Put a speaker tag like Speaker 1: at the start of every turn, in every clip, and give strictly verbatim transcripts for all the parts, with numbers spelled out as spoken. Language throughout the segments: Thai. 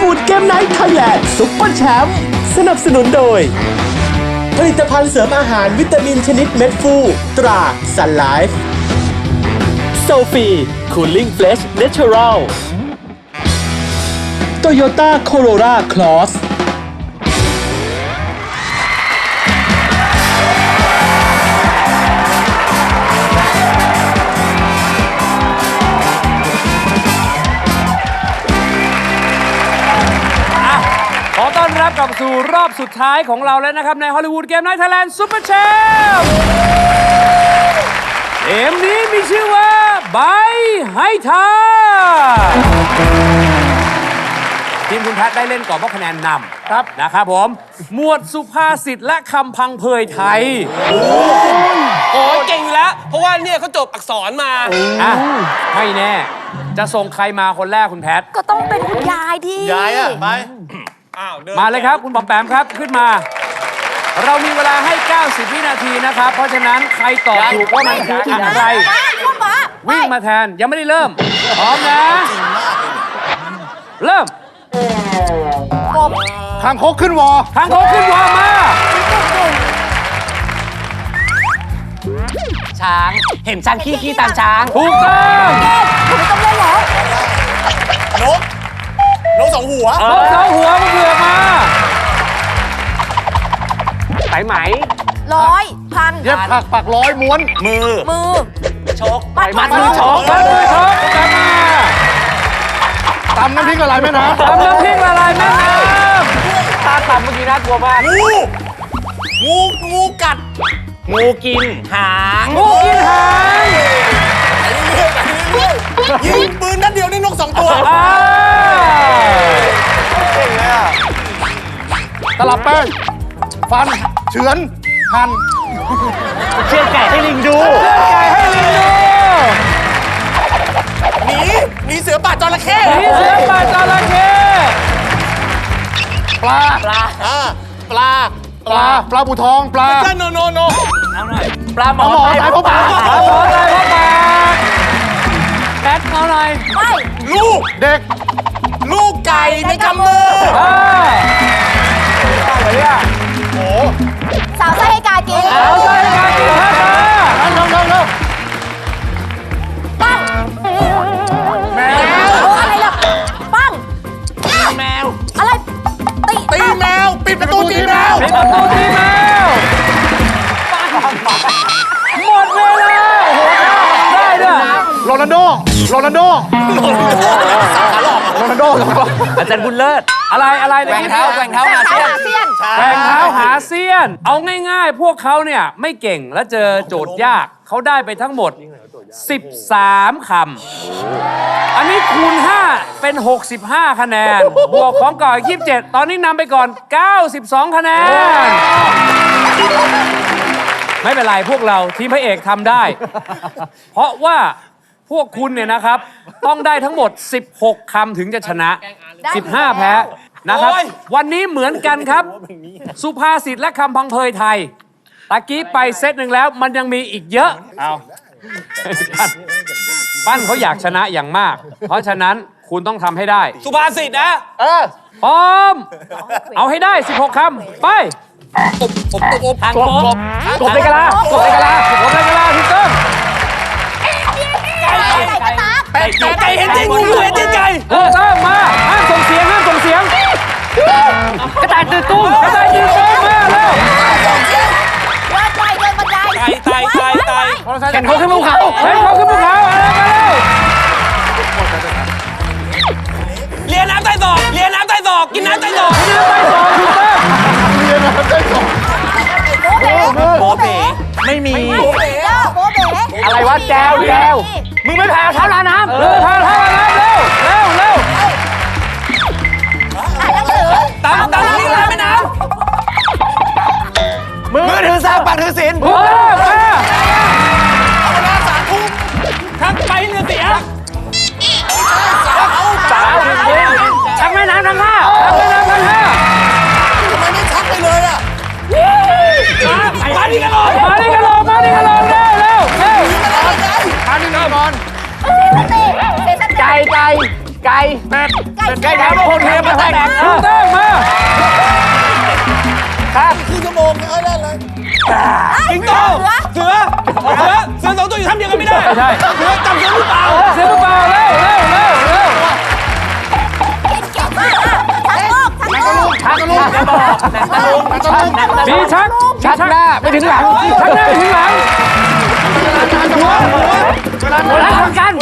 Speaker 1: ลลีวูดเกมไนท์ไทยแลนด์ซุปเปอร์แชมป์สนับสนุนโดยผลิตภัณฑ์เสริมอาหารวิตามินชนิดเม็ดฟูตราซันไลฟ์โซฟีคูลิ่งเฟลชเนเชอรัลโตโยต้าโคโรล่าคลอส
Speaker 2: ขอต้อนรับกลับสู่รอบสุดท้ายของเราแล้วนะครับในฮอลลีวูดเกมไนท์ไทยแลนด์ซุปเปอร์แชมป์เกมนี้มีชื่อว่าใบให้ทายทีมคุณแพทย์ได้เล่นก่อนเพราะคะแนนนำครับนะครับผมหมวดสุภาษิตและคำพังเพยไทย
Speaker 3: โอ้ยเก่งอยู่แล้ว เพราะว่าเนี่ยเขาจบอักษรมา
Speaker 2: อ่ะไม่แน่ จะส่งใครมาคนแรกคุณแพทย์
Speaker 4: ก็ต้องเป็นคุณยายที่
Speaker 3: ยายอ่ะ ไป อ้าวดิน
Speaker 2: มาเลยครับคุณปอมแปมครับขึ้นมา เรามีเวลาให้ เก้าสิบ วินาทีนะครับ เพราะฉะนั้นใครตอบถูกว่ามันคืออะไร
Speaker 4: เข้ามา
Speaker 2: วิ่งมาแทนยังไม่ได้เริ่ม พร้อมนะ เริ่ม
Speaker 5: คางคกขึ้นวอ
Speaker 2: ทางโค้งขึ้นวอมา
Speaker 3: ช้าง เห็นช้างขี้ขี้ตามช้าง
Speaker 2: ถูกต้อง
Speaker 4: คุณไม่ต้องเล่นแล้ว
Speaker 3: นก นกสองหัว
Speaker 2: นกสองหัวมันเผือกมา
Speaker 3: สายไหม
Speaker 4: ร้อยพัน
Speaker 5: เย็บผักปักร้อยม้วน
Speaker 3: มือ
Speaker 4: มือ
Speaker 3: ชก
Speaker 4: มัดมัด
Speaker 3: มือชก
Speaker 2: มันมือชกกลับมา
Speaker 5: ตำน้ำพริกอะไรแม่น้ำ
Speaker 2: ทำน้ำพริกละลายแม่น้
Speaker 3: ตาต่ำเมื่อกี้น่ากลัวมาก งู งู งูกัด งูกิน หาง
Speaker 2: ำงูกินหาง
Speaker 3: ยิงปืนนัดเดียวได้นกสองตัว
Speaker 2: อ่า
Speaker 5: ตลับแป้ง ฟัน เฉือน หั่น
Speaker 3: เชือดไก่ให้ลิงดู
Speaker 2: เลือดไก่ให้ลิงดู
Speaker 3: หนี หนีเสือป่าจระเข้
Speaker 2: หนีเสือป่าจระเข้
Speaker 5: ปลา
Speaker 3: ปลาอ่าปลา
Speaker 5: ปลา ปลาบูทอง ปลา
Speaker 3: จ้าโนโนโนเอาหน่อย ปลาหมอ
Speaker 5: ปลาหมอ
Speaker 3: ตาย
Speaker 5: ตายเพราะปลา
Speaker 2: ปลาหมอตายเพราะปากแพทเอาหน่อย
Speaker 4: ไม่
Speaker 3: ลูก
Speaker 5: เด็ก
Speaker 3: ลูกไก่ในกำมือ
Speaker 2: อ่า
Speaker 4: สาวไส้ให้กากิน
Speaker 2: เอาใส่การกินข้าวมา
Speaker 5: เร็วเร็วเร็ว
Speaker 4: ปั้ง
Speaker 5: แมว
Speaker 4: โอ้อะไรล่ะปั้ง
Speaker 3: แมว
Speaker 4: อะไร ตี
Speaker 3: ตีแมว ปิดประตูตีแมว
Speaker 2: เป็นประตูทีแมวหมดเวลาโอ้โหได้ด้วย
Speaker 5: โรนัลโด โรนัลโด โรนัลโด
Speaker 3: อาจารย์บุญเลิศ
Speaker 2: อะไรอะไร
Speaker 3: แกว่งเท้าแกว่งเท้า
Speaker 4: แต่
Speaker 3: หา
Speaker 4: เท้า
Speaker 3: เสี้ยน
Speaker 4: หาเสี้ยน
Speaker 2: แข่งเท้าหาเซียน เอาง่ายๆ พวกเขาเนี่ยไม่เก่งและเจอโจทย์ยากเขาได้ไปทั้งหมด สิบสาม คำ อันนี้คูณ ห้า เป็น หกสิบห้า คะแนน บวกของก่อนยี่สิบเจ็ด ตอนนี้นำไปก่อน เก้าสิบสอง คะแนน ไม่เป็นไรพวกเราทีมพระเอกทำได้ เพราะว่าพวกคุณเนี่ยนะครับ ต้องได้ทั้งหมด สิบหก คำถึงจะชนะ สิบห้า แพ้นะครับ วันนี้เหมือนกันครับ สุภาษิตและคำพังเพยไทยตะกี้ไปเซตหนึ่งแล้วมันยังมีอีกเยอะ เอาปั้นเขาอยากชนะอย่างมาก เพราะฉะนั้นคุณต้องทำให้ได้
Speaker 3: สุภาษิตนะ
Speaker 5: เออ
Speaker 2: พร้อม เอาให้ได้ สิบหก คำ ไป
Speaker 3: อบอบอบอบทาง
Speaker 5: กบ
Speaker 3: ก
Speaker 5: ก
Speaker 3: บบ
Speaker 2: กบในกะลากบในกะลากบในกะลาถูกต้อง
Speaker 4: ไก่กระตาก
Speaker 3: ไก่ไก่เห็นจริงงูเห็นจริงไก่
Speaker 2: ถูกต้องมาห้ามส่งเสียงห้ามส่งเสียง
Speaker 3: กระต่ายตื่นตุ้ม
Speaker 2: กระต่ายยืนโต๊ะมาเร็ว
Speaker 4: ว่าไก่เดินบันได
Speaker 3: ไก่ไก่ไก่ไก่
Speaker 5: แข่งเขาขึ้นภูเขา
Speaker 2: เฮ้ยเขาขึ้นภูเขาอะไรมาเร็ว
Speaker 3: เลียน้ำใต้ศอกเลียน้ำใต้ศอกกินน้ำใต้ศอก
Speaker 2: ยืนไปสองถูกต้อง
Speaker 5: เรียนมาได้สอง
Speaker 4: โบเบ๋
Speaker 3: โบเบ๋ไม่มี
Speaker 4: ไม่มีเด้อโบเบ๋
Speaker 3: อะไรวะแจวแจว มึงไม่พาเท้าลาน้ำ
Speaker 2: เร็วพาท่าน้ำเร็วเร็วเร็ว
Speaker 4: อ่านหนังสือ
Speaker 3: ตามตามที่ลาแม่น้ำมือถือสร้างปากถือศีล
Speaker 2: ถูกต้องมา
Speaker 3: เวลาสามทุ่มทั้งไปเรือเสียสาวชักแม่น้ำทั้งห้า
Speaker 2: ทำไปน้ำกันห้า
Speaker 3: ทำไมไม่ชักไปเลยอ่ะมาดิกันเลย
Speaker 2: มาดิกันลงมาดิกันลงเร็วเร็วเร็ว
Speaker 5: ทานนี่นอน
Speaker 4: เซสติเซสติ
Speaker 3: ไก่ไก่ไก่
Speaker 5: ด
Speaker 4: ไก่
Speaker 3: ไก่น้ำโคเทมมาแตก
Speaker 2: ถูกต้องมา
Speaker 3: สิงโตเสือเสือเสือสองตัวอยู่ทำเดียวกันไม่ได้
Speaker 2: ใช่
Speaker 3: เสือจับเสือหรือเปล่า
Speaker 2: เสือเปล่าเร็วเร็วเร็วเร็ว
Speaker 4: ชักโลกชักโลก
Speaker 3: ชาตะลุง
Speaker 5: ชักกระลุก
Speaker 2: มีชัก
Speaker 3: ชักหน้าไม่ถึงหลัง
Speaker 2: ชักหน้าไปถึงหลัง
Speaker 3: หัวล้านทำกัน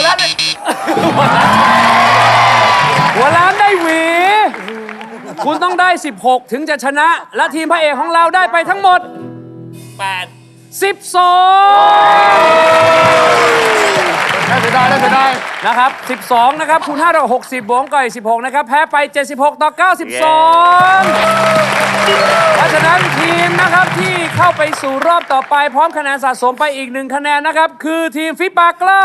Speaker 2: หัวล้านได้หวี คุณต้องได้ สิบหก ถึงจะชนะ และทีมพระเอกของเราได้ไปทั้งหมด
Speaker 3: แปด
Speaker 2: สิบสอง
Speaker 5: ได้เสียดายได้เสียดาย
Speaker 2: นะครับ สิบสอง นะครับ คูณห้าเท่ากับหกสิบบวกก่อยสิบหก นะครับ แพ้ไป เจ็ดสิบหก ต่อ เก้าสิบสอง เพราะฉะนั้นทีมนะครับที่เข้าไปสู่รอบต่อไปพร้อมคะแนนสะสมไปอีกหนึ่งคะแนนนะครับ คือทีมฟิปากล้า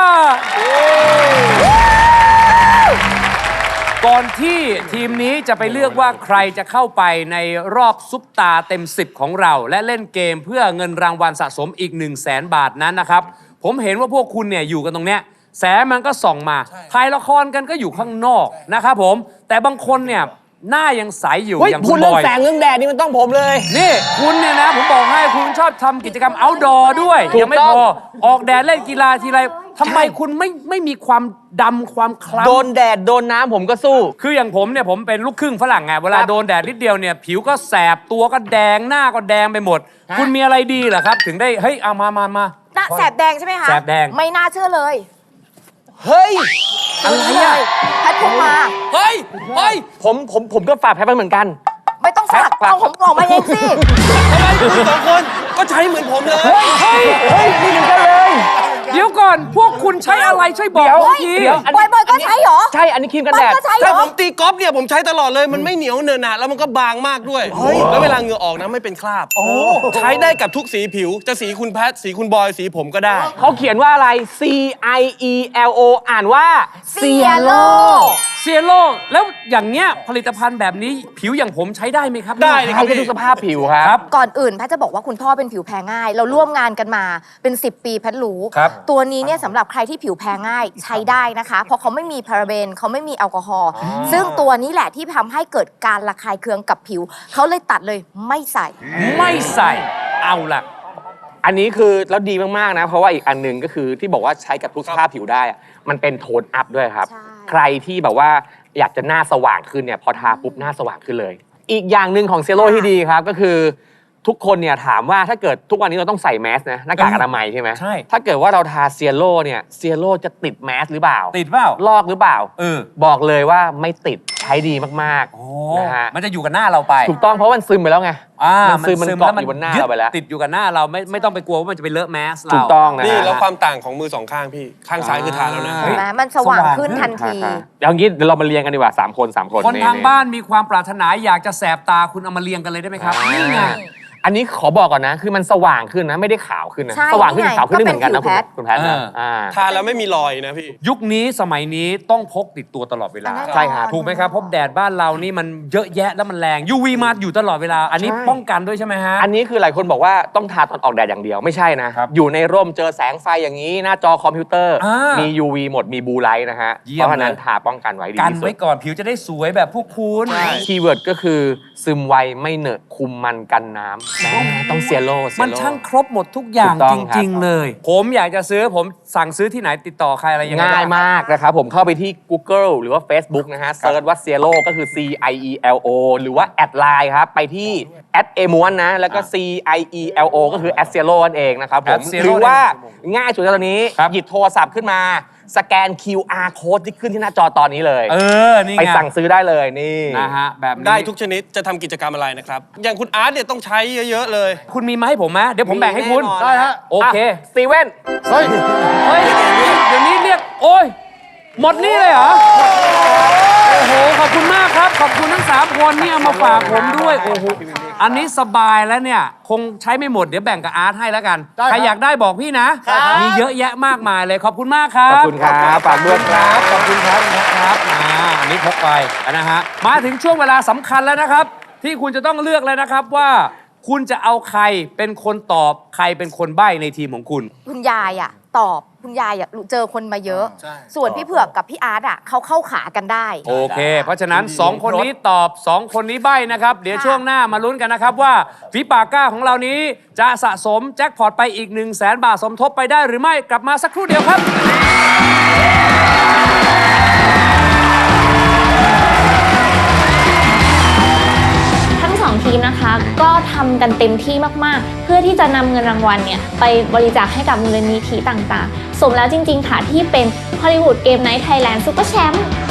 Speaker 2: ก่อนที่ทีมนี้จะไปเลือกว่าใครจะเข้าไปในรอบซุปตาเต็มสิบของเรา และเล่นเกมเพื่อเงินรางวัลสะสมอีก 1 0 0 0 0แสนบาทนั้นนะครับ ผมเห็นว่าพวกคุณเนี่ยอยู่กันตรงเนี้ยแสงมันก็ส่องมาถ่ายละครกันก็อยู่ข้างนอกนะครับผมแต่บางคนเนี่ยหน้ายังใสอยู่
Speaker 3: เฮ้ย
Speaker 2: อย่าง
Speaker 3: คุ
Speaker 2: คุณ ณ
Speaker 3: เรื่
Speaker 2: บ
Speaker 3: อง
Speaker 2: อย
Speaker 3: แสงเรื่องแดดนี่มันต้องผมเลย
Speaker 2: นี่คุณเนี่ยนะผมบอกให้คุณชอบทำกิจกรรม outdoor ด้วย
Speaker 3: ถูก
Speaker 2: ยังไม่
Speaker 3: ต้อง
Speaker 2: พอออกแดดเล่นกีฬาทีไรทำไมคุณไม่ไม่มีความดำความคล้ำ
Speaker 3: โดนแดดโดนน้ำผมก็สู้
Speaker 2: คืออย่างผมเนี่ยผมเป็นลูกครึ่งฝรั่งไงเวลา
Speaker 3: ครับ
Speaker 2: โดนแดดนิดเดียวเนี่ยผิวก็แสบตัวก็แดงหน้าก็แดงไปหมด คุณมีอะไรดีเหรอครับ ถึงได้เฮ้ยเอามามามา
Speaker 4: หน้าแสบแดงใช่ไหมคะ
Speaker 2: แสบแดง
Speaker 4: ไม่น่าเชื่อเลย
Speaker 3: เฮ้ย
Speaker 2: อะไรอ่ะ
Speaker 4: แพทย์พกมา
Speaker 3: เฮ้ย เฮ้ย ผมผมผมก็ฝากแพ้ไปเหมือนกัน
Speaker 4: ไม่ต้องฝาก
Speaker 3: ฝาก
Speaker 4: เอาผมออกมาเองสิ
Speaker 3: ทำไมคุณสองคนก็ใช้เหมือนผมเลย
Speaker 2: เฮ้ย
Speaker 3: เฮ้ยนี่เหมือนกันเลย
Speaker 2: เดี๋ยวก่อนพวกคุณใช้อะไรช่วยบอก
Speaker 3: เดี๋ยว
Speaker 2: ผมที
Speaker 3: เดี๋ยว อัน
Speaker 4: บอยบอยก็ใช้เหรอ
Speaker 3: ใช่ อันนี้ครีมกัน
Speaker 4: บอ
Speaker 3: แด
Speaker 4: ย
Speaker 3: ด
Speaker 4: ก็ใช้เหร
Speaker 6: ถ้า
Speaker 4: อ
Speaker 6: ผมตีกอล์ฟเนี่ยผมใช้ตลอดเลยมันไม่เหนียวเนินหนะแล้วมันก็บางมากด้วย แล้วเวลาเหงื่อออกนะไม่เป็นคราบใช้ได้กับทุกสีผิว จะสีคุณแพทสีคุณบอยสีผมก็ได้
Speaker 3: เขาเขียนว่าอะไร C I E L O อ่านว่า
Speaker 4: Cielo
Speaker 2: เซียโลแล้วอย่างเงี้ยผลิตภัณฑ์แบบนี้ผิวอย่างผมใช้ได้ไหมครับ
Speaker 6: ได้เลยค
Speaker 3: เขา
Speaker 6: รับ
Speaker 3: จะดูสภาพผิวค
Speaker 2: ค
Speaker 3: รั
Speaker 2: รับ บ
Speaker 4: ก่อนอื่นแพทย์จะบอกว่าคุณพ่อเป็นผิวแพ้ง่าย เราร่วมงานกันมาเป็น สิบ ปีแพทย์รู้
Speaker 2: ครับ
Speaker 4: ตัวนี้เนี่ยสำหรับใครที่ผิวแพ้ง่ายใช้ได้นะคะ เพราะเขาไม่มีพาราเบนเขาไม่มีแอลกอฮอล์ซึ่งตัวนี้แหละที่ทำให้เกิดการระคายเคืองกับผิว เขาเลยตัดเลยไม่ใส่
Speaker 2: ไม่ใส่เอาล่ะ
Speaker 3: อันนี้คือแล้วดีมาก ๆ นะ เพราะว่าอีกอันหนึ่งก็คือที่บอกว่าใช้กับทุกสภาพผิวได้อะมันเป็นโทนอัพด้วยครับ
Speaker 4: ใช่
Speaker 3: ใครที่แบบว่าอยากจะหน้าสว่างขึ้นเนี่ยพอทาปุ๊บหน้าสว่างขึ้นเลย อีกอย่างหนึ่งของเซโร่ที่ดีครับก็คือทุกคนเนี่ยถามว่าถ้าเกิดทุกวันนี้เราต้องใส่แมสนะหน้ากากอนามัยใช่ไหม
Speaker 2: ใช่
Speaker 3: ถ้าเกิดว่าเราทาเซียโร่เนี่ยเซียโร่จะติดแมสหรือเปล่า
Speaker 2: ติดเปล่า
Speaker 3: ลอกหรือเปล่า
Speaker 2: เออ
Speaker 3: บอกเลยว่าไม่ติดใช้ดีมาก
Speaker 2: โอ้
Speaker 3: ๆนะฮะ
Speaker 2: มันจะอยู่กับหน้าเราไป
Speaker 3: ถูกต้องเพราะมันซึมไปแล้วไง
Speaker 2: อ่า
Speaker 3: มันซึมมันเกาะอยู่บนหน้าเราไปแล้ว
Speaker 2: ติดอยู่กับหน้าเราไม่ไม่ต้องไปกลัวว่ามันจะไปเลอะแมสเรา
Speaker 3: ถูกต้องนะ
Speaker 6: นี่
Speaker 3: ฮะ
Speaker 6: แล้วความต่างของมือสองข้างพี่ ข้างซ้ายคือทาแล้วนะ
Speaker 2: เฮ้
Speaker 4: เห็
Speaker 2: ย
Speaker 4: นไหมมันสว่างขึ้นทันที
Speaker 3: ค่ะๆเดี๋ยวงี้เดี๋ยวเรามาเรียงกันดีกว่าสามคนสามคน
Speaker 2: คนทาง
Speaker 3: ๆ
Speaker 2: บ้านมีความปรารถนาอยากจะแสบตาคุณเอามาเรียงกันเลยได้ไหมครับ นี่ไง
Speaker 3: อันนี้ขอบอกก่อนนะ คือมันสว่างขึ้นนะไม่ได้ขาวขึ้นนะ
Speaker 4: ใช่
Speaker 3: สว่างขึ้น
Speaker 4: นี่ไง
Speaker 3: ขาวขึ้นได้เหมือนกันนะ
Speaker 4: ก็เป็นผิว
Speaker 3: คุณคุณแพทย์นะ
Speaker 2: เอออ่
Speaker 3: อ่า
Speaker 6: ทาแล้วไม่มีรอยนะพี่
Speaker 2: ยุคนี้สมัยนี้ต้องพกติดตัวตลอดเวลา
Speaker 4: อันนั้น
Speaker 3: ใช่ครับ
Speaker 2: ถูกไหมครับเพราะแดดบ้านเรานี่มันเยอะแยะแล้วมันแรง ยู วี มาอยู่ตลอดเวลา อันนี้
Speaker 3: ใช่
Speaker 2: ป้องกันด้วยใช่ไหมฮะ
Speaker 3: อันนี้คือหลายคนบอกว่าต้องทาตอนออกแดดอย่างเดียวไม่ใช่นะ
Speaker 2: ครับ
Speaker 3: อยู่ในร่มเจอแสงไฟอย่างนี้ หน้าจอคอมพิวเตอร์
Speaker 2: อ่ามี
Speaker 3: มี ยู วี หมดมีบลูไลท์นะฮะ
Speaker 2: เยี่
Speaker 3: เพ
Speaker 2: ยม
Speaker 3: ราะฉะนั้น
Speaker 2: เลย
Speaker 3: ทาป้องกันไว้ดี
Speaker 2: กัน
Speaker 3: ที่สุ
Speaker 2: ไว้
Speaker 3: ด
Speaker 2: ก่อนผิวจะได้สวยแบบพวกคุณ
Speaker 3: คีย์เวิร์ดก็คือซึมไวไม่เหนอะคุมมันกันน้ำนะต้องเซียโร่เซียโร่
Speaker 2: มันช่างครบหมดทุกอย่าง
Speaker 3: ถูกต้
Speaker 2: จ
Speaker 3: องครับ
Speaker 2: ริง ๆ เลย ผมอยากจะซื้อผมสั่งซื้อที่ไหนติดต่อใครอะไรยังไง
Speaker 3: ง่าย
Speaker 2: บ้
Speaker 3: มากนะครับ ผมเข้าไปที่ Google หรือว่า Facebook นะฮะเซิร์ชว่า Cielo ก็คือ C I E L O หรือว่าแอดไลน์ครับ ไปที่แอดเอม้วนนะ แล้วก็ C I E L O ก็คือแอด Cielo นั่นเองนะครับผม
Speaker 2: Cielo
Speaker 3: หรือว่าง่ายสุดตอนนี้
Speaker 2: ครับ
Speaker 3: หยิบโทรศัพท์ขึ้นมา สแกน คิว อาร์ Code ที่ขึ้นที่หน้าจอตอนนี้เลย
Speaker 2: เออ นี่
Speaker 3: ไป
Speaker 2: ไง
Speaker 3: สั่งซื้อได้เลยนี่
Speaker 2: นะฮะแบบนี้
Speaker 6: ได้ทุกชนิดจะทำกิจกรรมอะไรนะครับ อย่างคุณอาร์ตเนี่ยต้องใช้เยอะๆเลย
Speaker 2: คุณมีมาให้ผมไหมเดี๋ยวผมแบ่งให้คุณ
Speaker 6: มีแน่นอน
Speaker 2: ได้ฮะโอเค
Speaker 3: สตีเว่น
Speaker 5: เฮ้ย
Speaker 2: เฮ้ย เดี๋ยวนี้เรียก โอ้ย หมดนี่เลยเหรอ โอ้โห ขอบคุณมากครับ ขอบคุณทั้งสามคนนี่เอามาฝากผมด้วย โอ้โห อันนี้สบายแล้วเนี่ย คงใช้ไม่หมด เดี๋ยวแบ่งกับอาร์ตให้แล้วกัน
Speaker 5: ได้ครับ
Speaker 2: ใครอยากได้บอกพี่นะ มีเยอะแยะมากมายเลย ขอบคุณมากครั
Speaker 3: ขอบบ คุณครับฝากด้วยครับ
Speaker 2: ขอบคุณครับนะครับอ่าอันนี้พกไปนะฮะ มาถึงช่วงเวลาสำคัญแล้วนะครับ ที่คุณจะต้องเลือกแล้วนะครับว่า คุณจะเอาใครเป็นคนตอบ ใครเป็นคนใบ้ในทีมของคุณ
Speaker 4: คุณยายอะตอบคุณยายอะเจอคนมาเยอะ ส่วนพี่เผือกกับพี่อาร์ตอ่ะเขาเข้าขากันได้
Speaker 2: โอเค เพราะฉะนั้น สอง คนนี้ตอบ สอง คนนี้ใบ้นะครับ เดี๋ยวช่วงหน้ามาลุ้นกันนะครับว่าฝีปากกล้าของเรานี้จะสะสมแจ็คพอตไปอีก 1 0 0 0 0แสนบาทสมทบไปได้หรือไม่กลับมาสักครู่เดียวครับ
Speaker 7: ทั้งสองทีมนะคะก็ทำกันเต็มที่มากๆ เพื่อที่จะนำเงินรางวัลเนี่ยไปบริจาคให้กับมูลนิธิต่างๆ สมแล้วจริงๆค่ะที่เป็นฮอลลีวูดเกมไนท์ไทยแลนด์ซุปเปอร์แชมป์